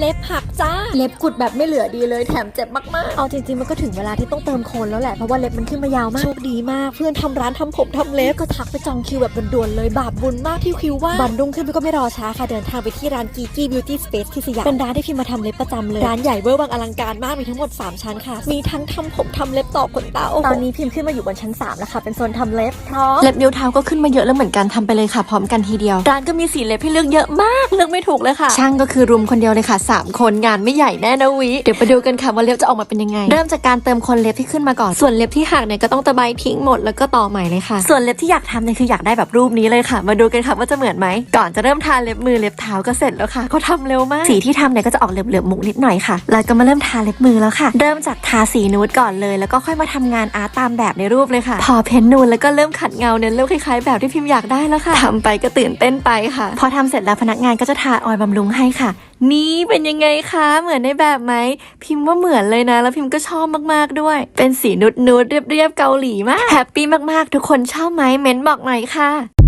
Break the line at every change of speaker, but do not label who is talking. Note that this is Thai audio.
เล็บหักจ้าเล็บกุดแบบไม่เหลือดีเลยแถมเจ็บมากๆเอาจริงๆมันก็ถึงเวลาที่ต้องเติมโคนแล้วแหละเพราะว่าเล็บมันขึ้นมายาวมากโชคดีมากเพื่อนทำร้านทำผมทำเล็บก็ทักไปจองคิวแบบด่วนๆเลยบาปบุญมากที่คิวว่าวันรุ่งขึ้นก็ไม่รอช้าค่ะเดินทางไปที่ร้านกีกี้บิวตี้สเปซที่สยามเป็นร้านที่พิมมาทำเล็บประจำเลยร้านใหญ่เวอร์วังอลังการมากมีทั้งหมด3ชั้นค่ะมีทั้งทำผมทำเล็บต่อขนตาตอนนี้พิมขึ้นมาอยู่บนชั้น3แล้วค่ะเป็นโซนทำเล็บพร้อม
เล็บนิ้วเท้าก็ขึ้นมาเยอะแล้วเหมือนกันทำไปเลยค่ะพร้อมกันทีเดียวร้านก็มีสีเล็บให้เลือกเยอะมากเลือกไม่ถูกเลยค่ะช่างก็คือรุมคนเดียวเลยค่ะ3คนงานไม่ใหญ่แน่นะวิเดี๋ยวไปดูกันค่ะว่าเล็บจะออกมาเป็นยังไงเริ่มจากการเติมคนเล็บที่ขึ้นมาก่อนส่วนเล็บที่หักเนี่ยก็ต้องตะไบทิ้งหมดแล้วก็ต่อใหม่เลยค่ะส่วนเล็บที่อยากทำเนี่ยคืออยากได้แบบรูปนี้เลยค่ะมาดูกันค่ะว่าจะเหมือนไหมก่อนจะเริ่มทาเล็บมือเล็บเท้าก็เสร็จแล้วค่ะเขาทำเร็วมากสีที่ทำเนี่ยก็จะออกเหลือบๆมุกนิดหน่อยค่ะแล้วก็มาเริ่มทาเล็บมือแล้วค่ะเริ่มจากทาสีนูดก่อนเลยแล้วก็ค่อยมาทำงานอาร์ตตามแบบในรูปเลยค่ะพอเพ้นนูนแล้วก็เริ่มขัดเงาเนี่ยเริ่มคล้ายๆแบบที่พิมอยากได้แล้วค่ะทำไปก็ตื่นเต้นไปค่ะพอทำเสร็จแล้วพนักงานก็จะทาออยล์บำรุงให้ค่ะนี่เป็นยังไงคะเหมือนในแบบไหมพิมพ์ว่าเหมือนเลยนะแล้วพิมพ์ก็ชอบมากๆด้วยเป็นสีนูดๆเรียบๆเกาหลีมากแฮปปี้มากๆทุกคนชอบไหมเม้นบอกหน่อยค่ะ